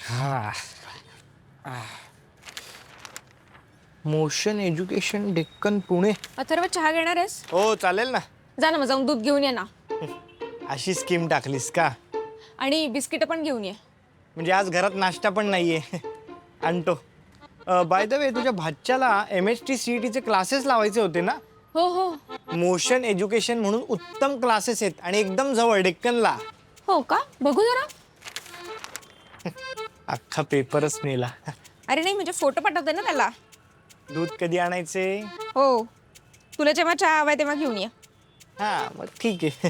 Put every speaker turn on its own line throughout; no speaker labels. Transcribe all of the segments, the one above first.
हा. Motion education Deccan Pune.
Atharva चहा घेणार आहेस?
हो चालेल ना.
जा ना, मग जाऊन दूध घेऊन ये ना.
अशी स्कीम टाकलीस का?
आणि बिस्किट पण घेऊन ये.
म्हणजे आज घरात नाश्ता पण नाहीये. आणतो. बाय द वे तुझ्या भाच्याला MHT CET चे क्लासेस लावायचे होते ना?
हो हो.
मोशन एज्युकेशन म्हणून उत्तम क्लासेस आहेत आणि एकदम जवळ डेक्कनला.
हो का? बघू जरा.
अख्खा पेपरच नेला.
अरे नाही, म्हणजे फोटो पाठवते ना त्याला.
दूध कधी आणायचे?
हो. तुला जेव्हा चहा हवाय तेव्हा घेऊन ये.
हा मग ठीक आहे.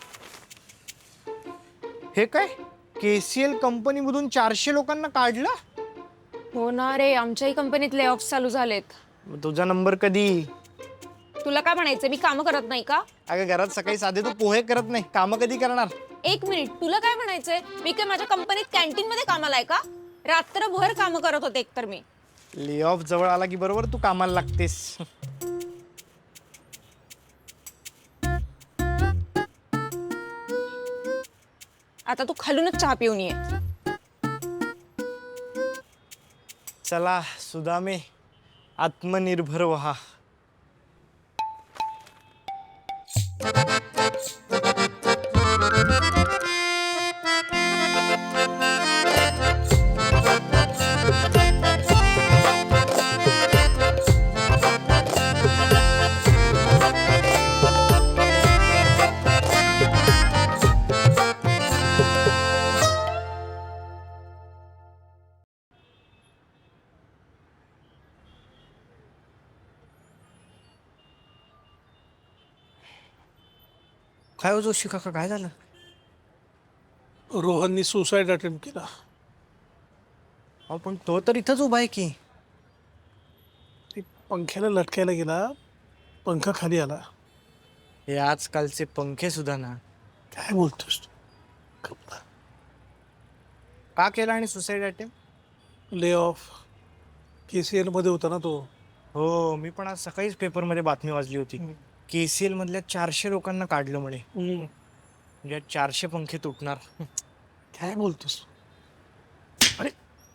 हे काय KCL कंपनीमधून 400 लोकांना काढलं?
हो ना रे, आमच्याही कंपनीत ले ऑफ चालू झालेत.
मग तुझा नंबर कधी?
तुला काय म्हणायचं, मी कामं करत नाही का?
अगं घरात सकाळी साधे तू पोहे करत नाही, कामं कधी करणार?
एक मिनिट, तुला काय म्हणायचंय? मी काय माझ्या कंपनीत कॅन्टीन मध्ये कामाला आहे का? रात्रभर कामं करत होते एकतर मी.
ले ऑफ जवळ आला की बरोबर तू कामाला लागतेस.
आता तू खालूनच चहा पिऊन ये.
चला सुदामे, आत्मनिर्भर व्हा. काय हो जोशी काका, काय झालं?
रोहननी सुसाईड अटेम्प्ट केला.
अहो पण तो तर इथंच उभा आहे की.
ती पंख्याला लटकायला गेला, पंखा खाली आला.
हे आजकालचे पंखे सुद्धा ना.
काय बोलतोस तू? कपला
का केला आणि suicide attempt?
Lay off. KCL मध्ये होता ना तो.
हो, मी पण आज सकाळीच पेपरमध्ये बातमी वाचली होती. KCL मधल्या 400 लोकांना काढलं म्हणे. म्हणजे 400 पंखे तुटणार.
काय बोलतोस? अरे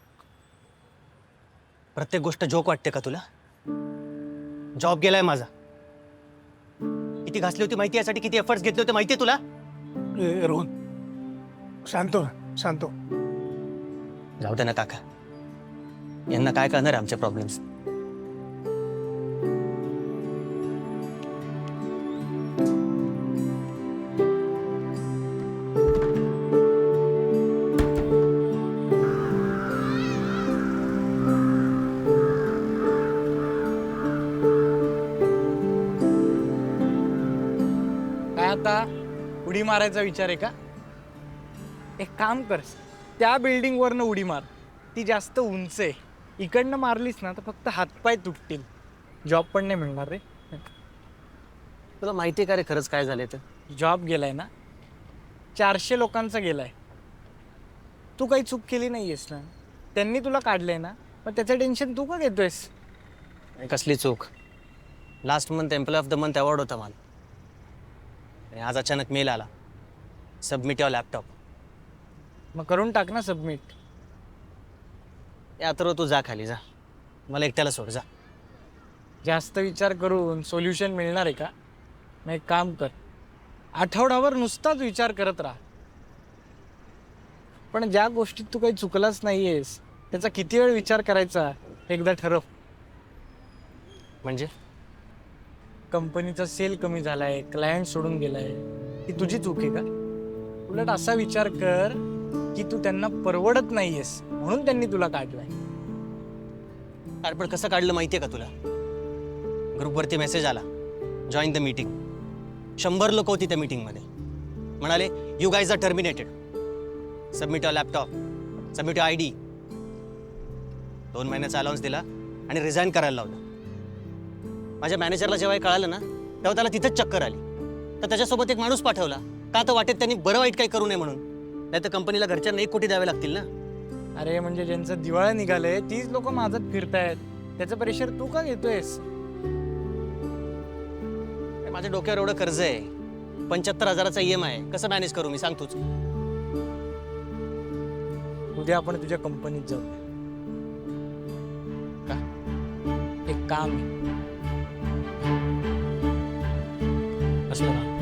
प्रत्येक गोष्ट जोक वाटते का तुला? जॉब गेलाय माझा. किती घासली होती माहिती, यासाठी किती एफर्ट्स घेतले होते माहितीये तुला?
ए, रोहन शांत हो, शांत हो.
जाऊ दे ना काका, यांना काय कळणार आहे आमचे प्रॉब्लेम्स.
काय आता उडी मारायचा विचार आहे का? एक काम कर, त्या बिल्डिंग वरनं उडी मार. ती जास्त उंच आहे. इकडनं मारलीस ना तर फक्त हातपाय तुटतील, जॉब पण नाही मिळणार रे.
तुला माहितीये का रे खरंच काय झालंय तर?
जॉब गेलाय ना, 400 लोकांचा गेलाय. तू काही चूक केली नाहीयेस ना, त्यांनी तुला काढलंय ना, मग त्याचं टेन्शन तू का घेतोयस?
कसली चूक? Last month employee of the month award होता मला, आणि आज अचानक मेल आला, सबमिट युअर लॅपटॉप.
मग करून टाक ना सबमिट.
यात्र तू जा खाली, जा, मला एकट्याला सोड, जा.
जास्त विचार करून सोल्युशन मिळणार आहे का? मग एक काम कर, आठवडाभर नुसताच विचार करत राहा. पण ज्या गोष्टीत तू काही चुकलाच नाहीयेस त्याचा किती वेळ विचार करायचा एकदा ठरव.
म्हणजे
कंपनीचा सेल कमी झालाय, क्लायंट सोडून गेलाय, ही तुझी चूक आहे का? उलट असा विचार कर की तू त्यांना परवडत नाहीयेस म्हणून त्यांनी तुला काढलाय.
अरे पण कसं काढलं माहितीये का तुला? ग्रुपवरती मेसेज आला, जॉईन द मीटिंग. 100 लोक होती त्या मीटिंगमध्ये. म्हणाले you guys are terminated, submit your laptop, submit your ID. 2 महिन्याचा अलाउन्स दिला आणि रिझाईन करायला लावलं. माझ्या मॅनेजरला जेव्हा हे कळालं ना, तेव्हा त्याला तिथंच चक्कर आली. तर त्याच्यासोबत एक माणूस पाठवला, का तर वाटेत त्यांनी बरं वाईट काही करू नये म्हणून. नाही तर कंपनीला घरच्यांना 1 कोटी द्यावे लागतील ना.
अरे म्हणजे ज्यांचं दिवाळं निघालंय तीच लोक माझत फिरतायत, त्याचं प्रेशर तू का घेतोयस?
माझ्या डोक्यावर एवढं कर्ज आहे, 75,000चा EMI आहे, कसं मॅनेज करू मी, सांग तूच.
उद्या आपण तुझ्या कंपनीत जाऊ का? एक काम आहे. असलं ना.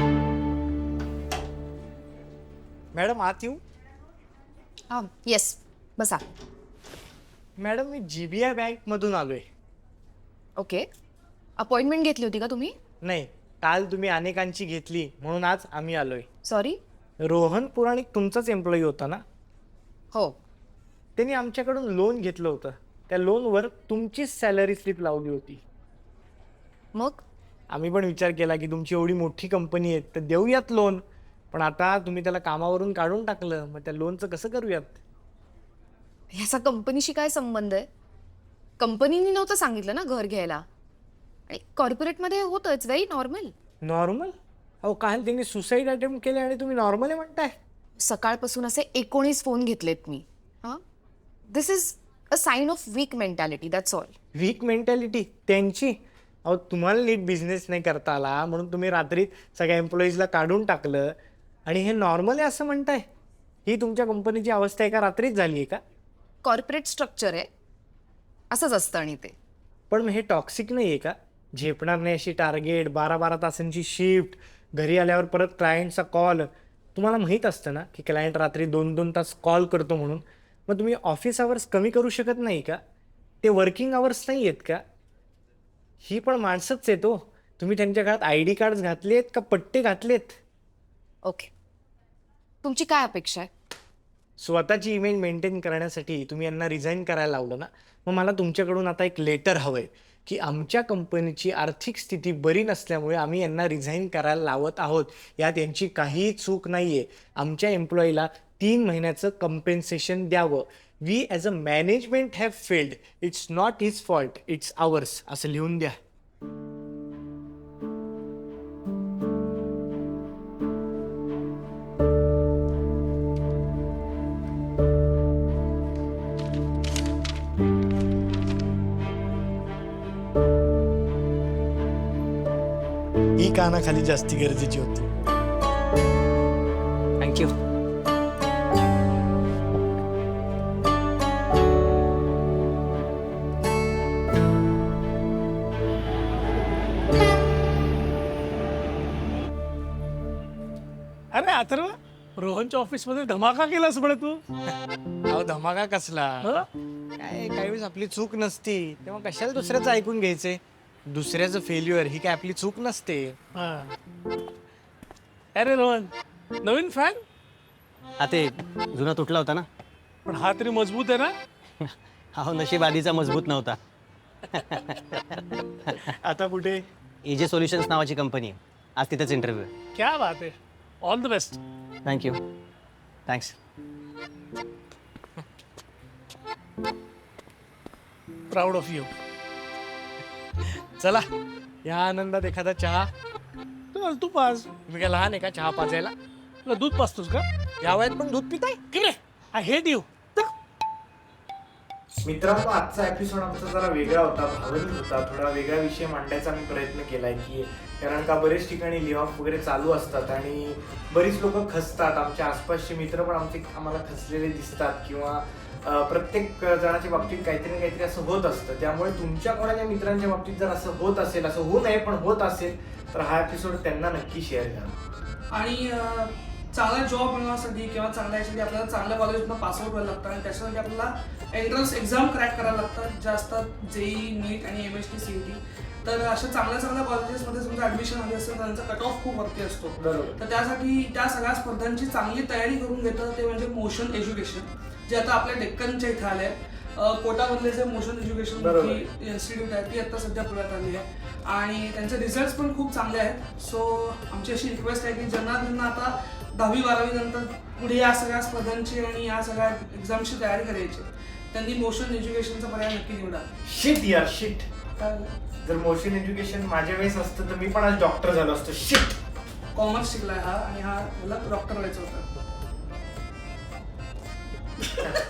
मॅडम आत येऊ?
हां येस बसा.
मॅडम मी GBI बँकमधून आलोय.
ओके. अपॉइंटमेंट घेतली होती का तुम्ही?
नाही, काल तुम्ही अनेकांची घेतली म्हणून आज आम्ही आलोय.
सॉरी.
रोहन पुराणिक तुमचाच एम्प्लॉई होता ना?
हो.
त्यांनी आमच्याकडून लोन घेतलं होतं. त्या लोनवर तुमचीच सॅलरी स्लिप लावली होती.
मग
आम्ही पण विचार केला की तुमची एवढी मोठी कंपनी आहे तर देऊयात लोन, पण आता तुम्ही त्याला कामावरून काढून टाकलं, मग त्या लोनचं कसं करूयात?
ह्याचा कंपनीशी काय संबंध आहे? कंपनीने नव्हतं सांगितलं ना घर घ्यायला, आणि कॉर्पोरेटमध्ये होतं, इट्स व्हेरी नॉर्मल.
नॉर्मल? अहो काल त्यांनी सुसाईड अटेम्प्ट केले आणि तुम्ही नॉर्मल आहे म्हणताय?
सकाळपासून असे 19 फोन घेतलेत मी. हां, this is a sign of weak mentality, that's all.
Weak mentality त्यांची? अहो तुम्हाला नीट बिझनेस नाही करता आला म्हणून तुम्ही रात्री सगळ्या एम्प्लॉईजला काढून टाकलं आणि हे नॉर्मल आहे असं म्हणताय? ही तुमच्या कंपनीची अवस्था एका रात्रीच झाली आहे का?
कॉर्पोरेट स्ट्रक्चर आहे, असंच असतं. आणि ते
पण मग हे टॉक्सिक नाही आहे का? झेपणार नाही अशी टार्गेट, 12-12 तासांची शिफ्ट, घरी आल्यावर परत क्लायंटचा कॉल. तुम्हाला माहीत असतं ना की क्लायंट रात्री 2-2 तास कॉल करतो म्हणून. मग तुम्ही ऑफिस आवर्स कमी करू शकत नाही का? ते वर्किंग आवर्स नाही आहेत का? ही पण माणसंच आहेत हो. तुम्ही त्यांच्या घरात ID कार्ड्स घातलेत का पट्टे घातलेत?
ओके, तुमची काय अपेक्षा आहे?
स्वतःची इमेज मेंटेन करण्यासाठी तुम्ही यांना रिझाईन करायला लावलं ना, मग मला तुमच्याकडून आता एक लेटर हवं आहे की आमच्या कंपनीची आर्थिक स्थिती बरी नसल्यामुळे आम्ही यांना रिझाईन करायला लावत आहोत. यात यांची काहीही चूक नाही आहे. आमच्या एम्प्लॉईला 3 महिन्याचं कम्पेन्सेशन द्यावं. We as a management have failed. It's not his fault, it's ours, असं लिहून द्या. ही कानाखाली जास्ती गरजेची होती.
थँक्यू.
अरे अथर्व, रोहनच्या ऑफिसमध्ये धमाका केलास म्हणे तू.
अहो धमाका कसला?
हं?
काय काही वेळेस आपली चूक नसती तेव्हा कशाला दुसऱ्याचं ऐकून घ्यायचे? दुसऱ्याचं फेल्युअर ही काय आपली चूक नसते.
हा. अरे रोहन, नवीन फॅन?
हा ते जुना तुटला होता ना.
पण हा तरी मजबूत आहे ना?
हा नशीब आधीचा मजबूत नव्हता.
आता कुठे?
AJ सोल्युशन्स नावाची कंपनी आहे. आज तिथेच इंटरव्ह्यू आहे.
क्या बात आहे. All the best.
Thank you. Thanks.
Proud of you.
चला या आनंदात एखादा चहा.
तू पास.
तुम्ही काय लहान आहे का चहा पाजायला?
तुला दूध पाचतोस का?
या वयात पण दूध पिताय?
किरे, आय हेट यू.
मित्रांनो, आजचा एपिसोड आमचा जरा वेगळा होता, भावनिक होता. थोडा वेगळा विषय मांडण्याचा मी प्रयत्न केलाय की कारण का बरेच ठिकाणी ले ऑफ वगैरे चालू असतात आणि बरीच लोक खचतात. आमच्या आसपासचे मित्र पण आम्हाला खचलेले दिसतात किंवा प्रत्येक जणाच्या बाबतीत काहीतरी ना काहीतरी असं होत असतं. त्यामुळे तुमच्या कोणाच्या मित्रांच्या बाबतीत जर असं होत असेल, असं होऊ नये पण होत असेल, तर हा एपिसोड त्यांना नक्की शेअर करा.
आणि चांगला जॉब मिळवण्यासाठी किंवा चांगल्या याच्यासाठी आपल्याला चांगल्या कॉलेजमधून पासआउट व्हायला लागतं आणि त्याच्यासाठी आपल्याला एंट्रन्स एक्झाम क्रॅक करायला लागतात, जे असतात JEE, नीट आणि MST CET. तर अशा चांगल्या कॉलेजेसमध्ये समजा ॲडमिशन हवी असेल तर त्यांचा कट ऑफ खूप वरती असतो.
बरोबर.
तर त्यासाठी त्या सगळ्या स्पर्धांची चांगली तयारी करून घेतं ते म्हणजे मोशन एज्युकेशन, जे आता आपल्या डेक्कनच्या इथं आले आहे. कोटामधले जे मोशन एज्युकेशन इन्स्टिट्यूट आहे ती आता सध्या पुण्यात आली आहे आणि त्यांचे रिझल्ट्स पण खूप चांगले आहेत. सो आमची अशी रिक्वेस्ट आहे की ज्यांना आता 10वी-12वी नंतर पुढे या सगळ्या स्पर्धांची आणि या सगळ्या एक्झामची तयारी करायची, त्यांनी मोशन एज्युकेशनचा पर्याय नक्की निवडा.
शिट यार शिट.
काय
जर मोशन एज्युकेशन माझ्या वेळेस असतं तर मी पण आज डॉक्टर झालो असतो. शिट.
कॉमर्स शिकलाय हा आणि हा मला डॉक्टर व्हायचं होतं.